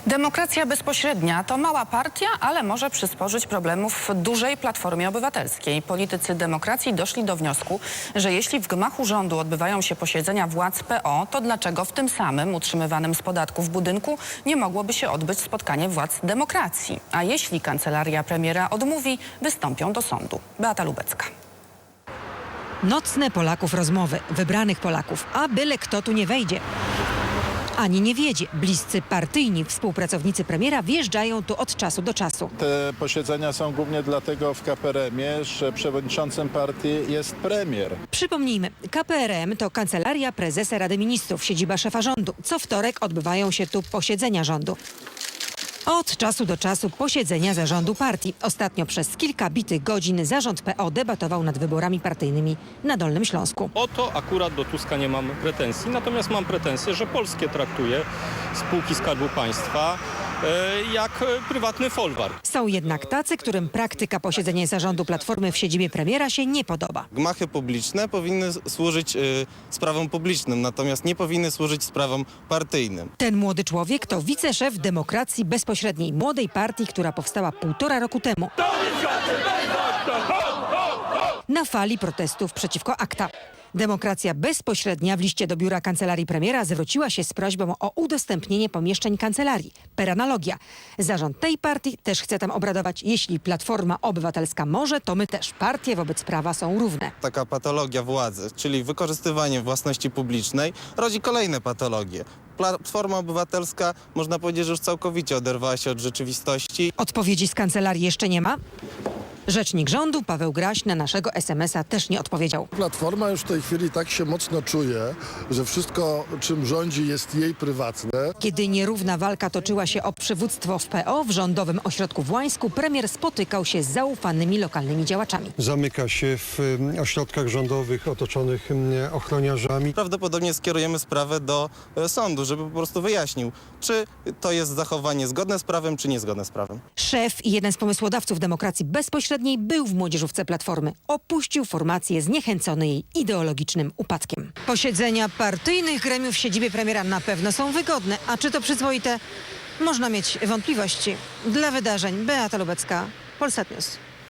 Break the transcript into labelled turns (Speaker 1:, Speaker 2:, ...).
Speaker 1: Demokracja bezpośrednia to mała partia, ale może przysporzyć problemów dużej Platformie Obywatelskiej. Politycy demokracji doszli do wniosku, że jeśli w gmachu rządu odbywają się posiedzenia władz PO, to dlaczego w tym samym utrzymywanym z podatków budynku nie mogłoby się odbyć spotkanie władz demokracji? A jeśli kancelaria premiera odmówi, wystąpią do sądu. Beata Lubecka.
Speaker 2: Nocne Polaków rozmowy, wybranych Polaków, a byle kto tu nie wejdzie. Ani nie wiedzie. Bliscy partyjni współpracownicy premiera wjeżdżają tu od czasu do czasu.
Speaker 3: Te posiedzenia są głównie dlatego w KPRM-ie, że przewodniczącym partii jest premier.
Speaker 2: Przypomnijmy, KPRM to Kancelaria Prezesa Rady Ministrów, siedziba szefa rządu. Co wtorek odbywają się tu posiedzenia rządu. Od czasu do czasu posiedzenia zarządu partii. Ostatnio przez kilka bitych godzin zarząd PO debatował nad wyborami partyjnymi na Dolnym Śląsku.
Speaker 4: O to akurat do Tuska nie mam pretensji, natomiast mam pretensje, że polskie traktuje spółki Skarbu Państwa jak prywatny folwark.
Speaker 2: Są jednak tacy, którym praktyka posiedzenia zarządu Platformy w siedzibie premiera się nie podoba.
Speaker 5: Gmachy publiczne powinny służyć sprawom publicznym, natomiast nie powinny służyć sprawom partyjnym.
Speaker 2: Ten młody człowiek to wiceszef Demokracji Bezpośredniej, młodej partii, która powstała 1,5 roku temu. Na fali protestów przeciwko ACTA. Demokracja Bezpośrednia w liście do biura kancelarii premiera zwróciła się z prośbą o udostępnienie pomieszczeń kancelarii. Per analogia. Zarząd tej partii też chce tam obradować. Jeśli Platforma Obywatelska może, to my też. Partie wobec prawa są równe.
Speaker 5: Taka patologia władzy, czyli wykorzystywanie własności publicznej, rodzi kolejne patologie. Platforma Obywatelska, można powiedzieć, że już całkowicie oderwała się od rzeczywistości.
Speaker 2: Odpowiedzi z kancelarii jeszcze nie ma. Rzecznik rządu Paweł Graś na naszego SMS-a też nie odpowiedział.
Speaker 6: Platforma już w tej chwili tak się mocno czuje, że wszystko, czym rządzi, jest jej prywatne.
Speaker 2: Kiedy nierówna walka toczyła się o przywództwo w PO, w rządowym ośrodku w Łańsku premier spotykał się z zaufanymi lokalnymi działaczami.
Speaker 7: Zamyka się w ośrodkach rządowych otoczonych ochroniarzami.
Speaker 5: Prawdopodobnie skierujemy sprawę do sądu, żeby po prostu wyjaśnił, czy to jest zachowanie zgodne z prawem, czy niezgodne z prawem.
Speaker 2: Szef i jeden z pomysłodawców Demokracji Bezpośredniej był w młodzieżówce Platformy. Opuścił formację zniechęcony jej ideologicznym upadkiem. Posiedzenia partyjnych gremiów w siedzibie premiera na pewno są wygodne. A czy to przyzwoite? Można mieć wątpliwości. Dla wydarzeń Beata Lubecka, Polsat News.